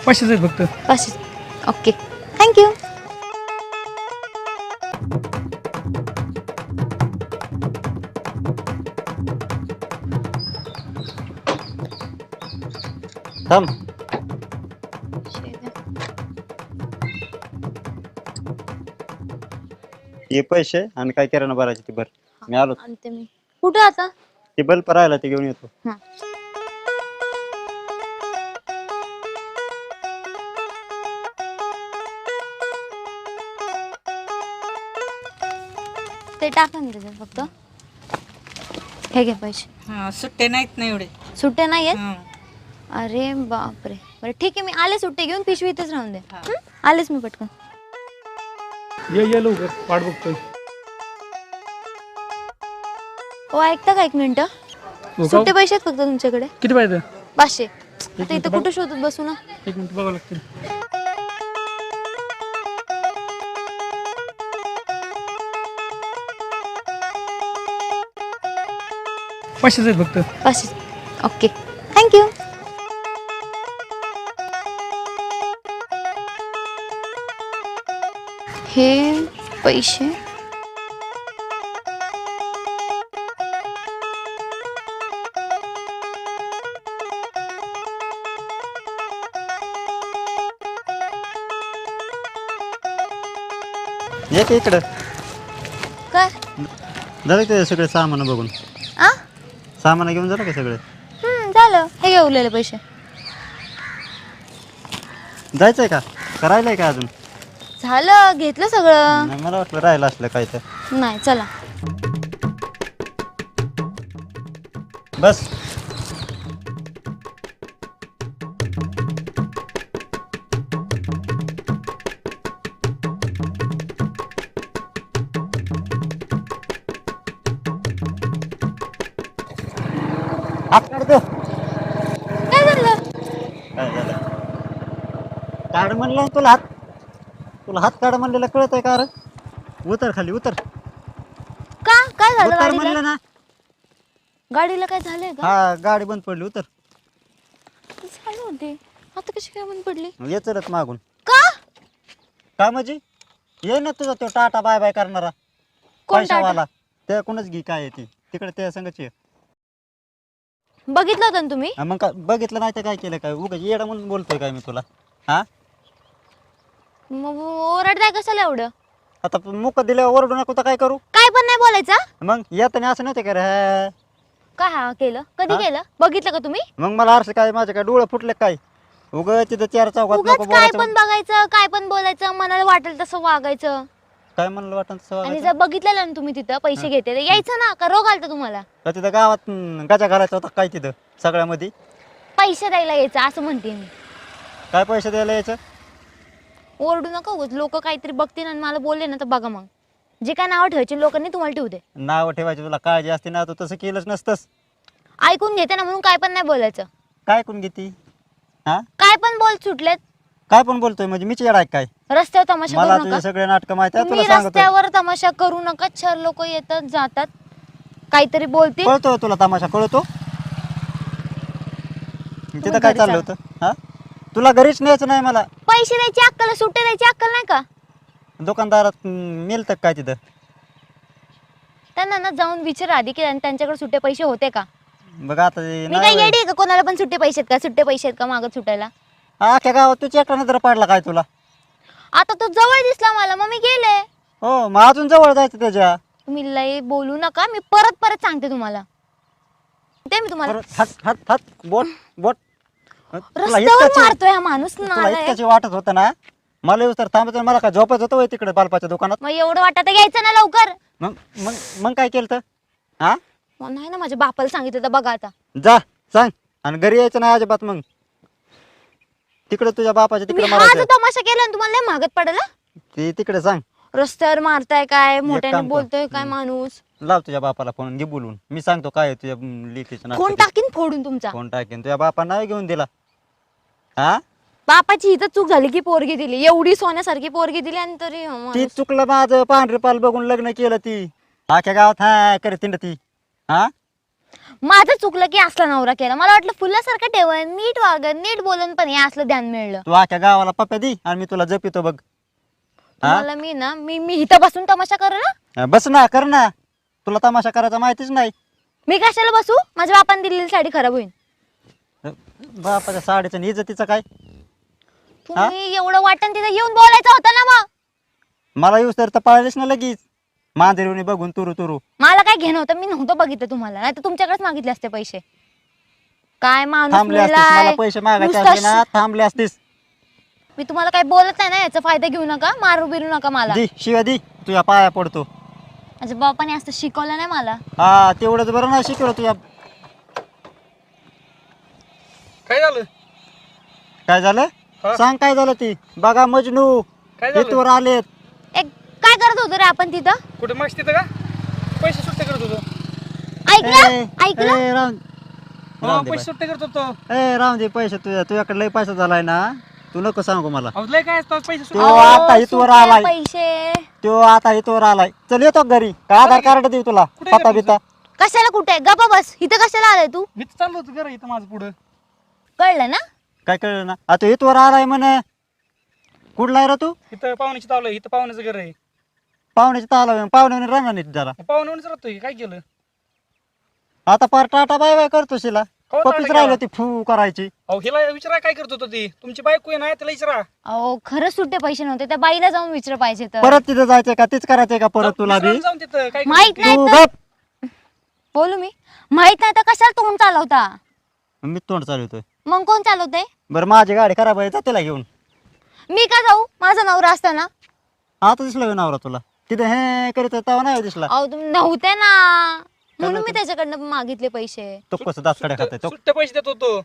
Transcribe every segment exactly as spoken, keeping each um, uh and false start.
पाचशेच आहेत फक्त. पाचशे. Okay thank you. थांब. ये पैसे आणि काय किराणा भरायचे ते भर. मी आलो. आणते मी. कुठं आता? ते बल्ब राहिला ते घेऊन येतो. हा. ते टाका ना त्याच्यात फक्त. हे घे पैसे. हा सुट्टे नाहीत ना एवढे. सुट्टे नाही आहेत? हं. अरे बापरे. बरं ठीक आहे, मी आले सुट्टे घेऊन, पिशवी इथेच राहून दे. हा. हं? आलेच मी पटकन. ये ये लवकर, वाट बघतोय. हो ऐकता का एक मिनिट? हो का? सुट्टे पैसे आहेत फक्त तुमच्याकडे? किती पाहिजे? पाचशे. आता मिनिट इथं बघ. कुठं शोधत बसू ना? एक मिनिट बघावं लागतील. पाचशेच आहेत फक्त. पाचशे. Okay thank you. हे पैसे ये की इकडं. काय? झालं ते सगळे सामान बघून. आ सामान घेऊन झालं का सगळे? हम्म झालं. हे घे उरलेले पैसे. जायचंय का? करायलाय का अजून? झालं, घेतलं सगळं. नाही, मला वाटलं राहिलं असलं काय तर. नाही चला. बस. हात काढतो. काय झालं? काय झालं? काढ म्हणलं तुला हात. तुला हात काढ म्हणलेलं कळत आहे का रे? उतर खाली उतर. का काय झालं उतर गाडीला? म्हणलं ना. गाडीला काय झालंय का? हा गाडी बंद पडली. उतर. झालं होते. आता कशी काय बंद पडली? ये चलत मागून. का? काय म्हणजे? ये ना तुझा तो टाटा बाय बाय करणारा कोण टाटा? पैशावाला. त्या कोणच घे काय आहे ती तिकडे त्या संगच ये. बघितलं होतं ना तुम्ही? हा, मग काय बघितलं नाही तर काय केलं काय? उगाच येडा म्हणून बोलतोय काय मी तुला? हा मग ओरडताय कशाला एवढं? आता मुक दिल्यावर ओरडू नको तर काय करू? काय पण नाही बोलायचं? मग येताना असं नव्हते का रे? हा. काय हा केलं? कधी हा? केलं? बघितलं का तुम्ही? मग मला अर्थ काय माझे काय डोळे फुटले काय? उगाच तिथं चार चौकात उगाच नको काय बोलायचं. पण बघायचं, काय पण बोलायचं, मनाला वाटेल तसं वागायचं. काय म्हणलं वाटत तसं आणि वागायचं? जर बघितलेलं ना तुम्ही तिथं पैसे घेते तर यायचं ना, का रोग आलता तुम्हाला? का तिथं गावात हम्म, गजा घालायचा होता काय तिथं सगळ्यामध्ये? पैसे द्यायला यायचं असं म्हणते मी. काय पैसे द्यायला यायचं? ओरडू नका उगाच. लोक काहीतरी बघतील आणि मला बोलले ना तर बघा मग. जे काय नाव ठेवायचे लोकांनी तुम्हाला ठेवू दे. नाव ठेवायची तुला काळजी असते ना, तू तसं केलंच नसतंस. ऐकून घेते ना म्हणून काय पण नाही बोलायचं. काय कोण घेती? हा काय पण बोल सुटलेत. काय पण बोलतोय म्हणजे मीच येडा आहे काय? रस्त्यावर तमाशा मला करू तुझे नका. सगळे नाटक माहिती आहे, तुम्ही तुला सांगतो. रस्त्यावर तमाशा करू नका. चार लोक येतात जातात, काहीतरी बोलतील. कळतो तुला तमाशा कळतो? तिथं काय घरी चाललं चला. होतं? हा तुला घरीच न्यायचं नाही मला. पैसे द्यायची अक्कल, सुट्टे द्यायची अक्कल नाही का? दुकानदारात मिळतं काय तिथं? त्यांना ना जाऊन विचार आधी की त्यांच्याकडे सुट्टे पैसे होते का? बघ आता ते मी काय नाही येडी आहे का कोणाला पण सुट्टे पैसे आहेत का? सुट्टे पैसे आहेत का मागत सुटायला? अख्ख्या गावात तुझ्या एकटा नजर पाडला काय तुला? आता तो जवळ दिसला मला मग मी गेले. हो मग अजून जवळ जायचं त्याच्या. तुम्ही लय बोलू नका. मी परत परत सांगते तुम्हाला. ते मी तुम्हाला परत हात हात हात बोट बोट. तुला रस्त्यावर इतकाची- मारतोय हा माणूस तुला नालायक. इतक्याची वाटत होतं ना मला येऊस तर थांबायचं. मला काय झोपायचं होतं होय तिकडे बालपाच्या दुकानात? मग एवढं वाटत घ्यायचं ना लवकर. मग मग मग काय केलं तर? हा मग नाही ना माझ्या बापाला सांगितलं तर बघा आता. जा सांग. आणि घरी यायचं नाही अजिबात. मग तिकडे तुझ्या बापाच्या तुम्ही तिकडे हा जो मारायचं. तमाशा केला ना तुम्हाला नाही मागत पडला. ते तिकडे सांग. रस्त्यावर मारताय काय, मोठ्याने काम कर. बोलतोय काय हम्म. माणूस. लाव तुझ्या बापाला फोन घे बोलून. मी सांगतो काय आहे तुझ्या लेकीचं कोण नाटक. टाकीन फोडून तुमचा. कोण टाकेन? तुझ्या बापा नाही घेऊन दिला. हा बापाची इथं चूक झाली की पोरगी दिली. एवढी सोन्यासारखी पोरगी दिली आणि तरी हा ती माणूस. चुकलं माझं. पांढरे पाल बघून लग्न केलं ती. अख्ख्या गावात हा करे तिंड ती. हा माझं चुकलं की असला नवरा केला. मला वाटलं फुलासारखं ठेवन, नीट वागन, नीट बोलन, पण हे असलं ध्यान मिळलं. तू आख्या गावाला पप्प्या दी आणि मी तुला जपितो बघ. तुम्हाला मी ना मी मी इथं बसून तमाशा करू ना. बस ना, कर ना. तुला तमाशा करायचा माहितीच नाही. मी कशाला बसू? माझ्या बापाने दिलेली साडी खराब होईल. बापाच्या साडीचं आणि इज्जतीचं काय? तुम्ही एवढं वाटण तिथे येऊन बोलायचं होतं ना. मग मला येऊस तर पाळलीस ना लगेच मांजरीवणी बघून तुरु तुरु. मला काय घेणं होतं? मी नव्हतं बघितलं तुम्हाला, नाही तर तुमच्याकडेच मागितले असते पैसे. काय माणूस थांबले असतीस, मेलाय. मला पैसे मागायचे नुसतं असते ना, थांबले असतीस. मी तुम्हाला काही बोलत नाही ना, याचा फायदा घेऊ नका, मारू बिरू नका मला. दी शिव्या दी, तुझ्या पाया पडतो. माझ्या बापाने असं शिकवलं नाही मला. हा तेवढंच बरं नाही शिकवलं तुझ्या. काय झालं? काय झालं? हा? सांग काय झालं ती. बघा मजनू काय झालं? इथवर आलेत. एक काय करत होतो रे आपण तिथं? कुठे मागस तिथं का पैसे सुट्टे करत होतो? ऐकलं ए, ऐकलं ए, राहून हो राहून दे पैसे सुट्टे करत होतो. बाई. ए राहून दे पैसे तुझ्या तुझ्याकडे लय पैसा झालाय ना. तू नको सांगू मला. अहो, लय काय असतं पैसे तो सुट्टे. आता इथवर सुटे आलाय. पैसे तो आता इथवर आलाय. चल येतो घरी. का आधार कार्ड देऊ तुला? कुठे पत्ता गेला बिता कशाला? कुठे गप्पा बस. इथं कशाला आलाय तू? मी तर चाललो होतो घर इथं माझं पुढं. कळलं ना? काय कळलं ना. आता इथवर आलाय म्हणे. कुठला आहे रे तू? इथं पाहुण्याची तावलं, इथं पाहुण्याचं घर आहे. पाहुण्याची ताला पाहुण्याने राहणार नाही जरा. पाहुण्यावरच राहतोय, काय केलं? आता पार टाटा बाय बाय करतो शिला. हो, टाटा पप्पीच केला. राहिलं ती फू करायची. अहो हिला विचारा काय करत होतो ती. तुमची बायको आहे ना, तिला विचारा. अहो खरंच सुट्टे पैसे नव्हते, त्या बाईला जाऊन विचार पाहिजे तर. परत तिथं जायचंय का? तीच करायचंय का परत तुला बी? विचारायला जाऊन तिथं काय माहित करत नाही तू तर गप. बोलू मी. माहित नाही तर कशाला तोंड चालवता? मी तोंड चालवतोय. मग कोण चालवतंय? बरं माझी गाडी खराब आहे, जा तिला घेऊन. मी का जाऊ? माझा नवरा असताना. आता दिसला होय नवरा तुला तिथे हे करीत तेव्हा नाही दिसला. अहो तुम्ही नव्हते ना, म्हणून मी त्याच्याकडनं मागितले पैसे. तो कसं दात कडे खाते तो. सुट्टे पैसे देत होतो.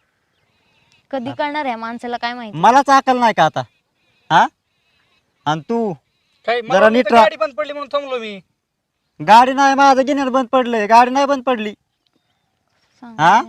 कधी करणार आहे माणसाला काय माहिती. मलाच अकल नाही का आता? हा आणि तू काय जरा मला नीट इथं राहा. गाडी बंद पडली म्हणून थांबलो मी. गाडी नाही, माझं गिन्यार बंद पडलंय. गाडी नाही बंद पडली. सांगते. हा?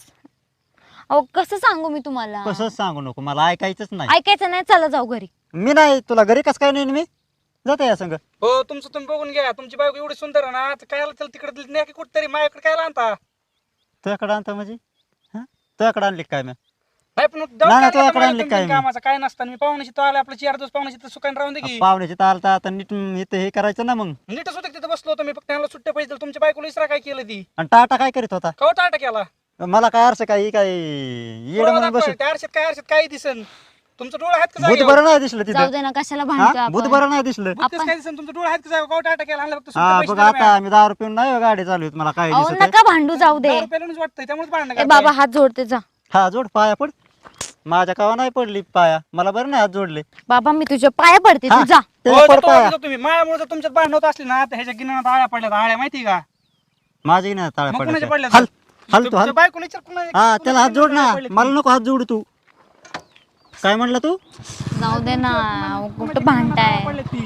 अहो कसं सांगू मी तुम्हाला? कसंच सांगू नको, मला ऐकायचंच नाही. ऐकायचं नाही, चला जाऊ घरी. मी नाही तुला घरी कसं काय नाही मी जाते या संग. हो तुमचं तुम्ही बघून घ्या. तुमची बायको एवढी सुंदर आहे ना, तर काय त्याला तिकडे न्या की कुठतरी माझ्याकडे काय आणता. तुझ्याकडे आणता म्हणजे हा तुझ्याकडे आणली काय मी? नाही पण नाही, नाही, तुझ्याकडे आणली काय मी? कामाचं काय नसतं. मी पाहुण्याशी तो आला आपलं चार दिवस पाहुण्याशी तर सुकान राहून दे की. पाहुण्याची तालता आता नीट इथं हे करायचं ना मग. नीटच होतं तिथं बसलो होतो मी, फक्त त्यांना सुट्टे पैसे दिले. तुमच्या बायकोला इसरा काय केलं ती? आणि टाटा काय करीत होता? कवा टाटा केला? मला काय अर्थ काय काय येड डोळा म्हणून बस. दाखवा. त्या आरशात काय आरशात काय दिसन? तुमचं डोळा आहेत का भूत जागेवर? बरं नाही दिसलं जाऊ तिथं. दे ना, कशाला हा भांडतो भूत आपण. बरं नाही दिसलं. भूत कसं काय दिसन? तुमचं डोळा आहेत का जागेवर? कवा टाटा केला? आणलं फक्त हा सुट्टे बघ पैसे आता आम्ही दारू पिऊन नाही हो गाडी चालू मला काय अहो दिसत नका भांडू, जाऊ दे. रुपयालाच वाटतंय त्यामुळे भांडण ए बाबा हात जोडते जा. हा जोड पाया पड. माझ्या कावा नाही पडली पाया, मला बरं नाही हात जोडले. बाबा मी तुझ्या पाया पडते, हा, तू जा. त्याला पड पाया. तुम्ही मायामुळे जर तुमच्यात भांडण होत असली ना, तर ह्याच्या गिन्यात आळ्या पडल्यात. आळ्या माहिती का? माझी नाही ताळ्या मग कोणाच्या पडल्या. पडल्यात? हल हल तू हल. तुमच्या बायकोला विचार कोणा- हा त्याला हात जोड ना, कोणाच्या पडल्यात? मला नको हात जोड तू. काय म्हणला तू? जाऊ दे ना, अहो, कुठं भांडताय? पडल्यात ती.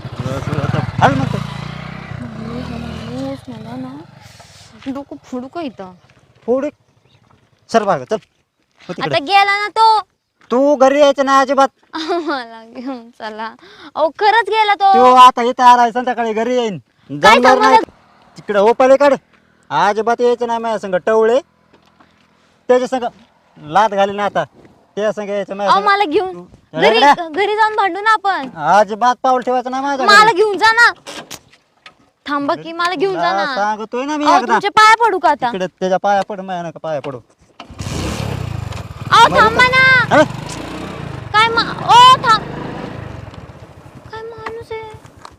हल म्हणतो. माणूस मला ना डोकं फोडू का इथं? पुढे सर बाग चल हो तिकडे. आता गेला ना तो. तू घरी यायचं ना अजिबात. मला घेऊन चला. अहो खरंच गेला तो. तो आता इथं आलाय, संध्याकाळी घरी येईन. काय जमणार नाही सांगणार? तिकडे हो पलीकडे अजिबात यायचं नाही माझ्या संग. टवळे त्याच्या संग लात घाली ना आता त्या संग यायचं माझ्या अहो संग. मला घेऊन तू- घरी रेगड्या. घरी जाऊन भांडू ना आपण. अजिबात पाऊल ठेवायचं ना माझ्या मला घरी. घेऊन जा ना. थांबा की मला घेऊन जा हा, ना. सांगतोय ना मी अहो एकदा. तुमच्या पाया पडू का आता? तिकडे त्याच्या पाया पड, माझ्या नका पाया पडू. अहो थांबा ना. अरे, काय मा ओ थांब. काय माणूस आहे?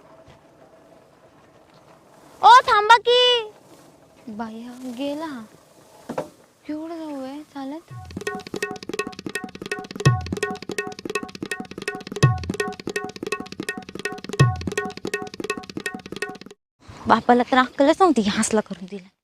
ओ थांबा की. बाया गेला. केवढं जाऊ आहे चालत? बापाला तर अक्कलच नव्हती, हसला करून दिला.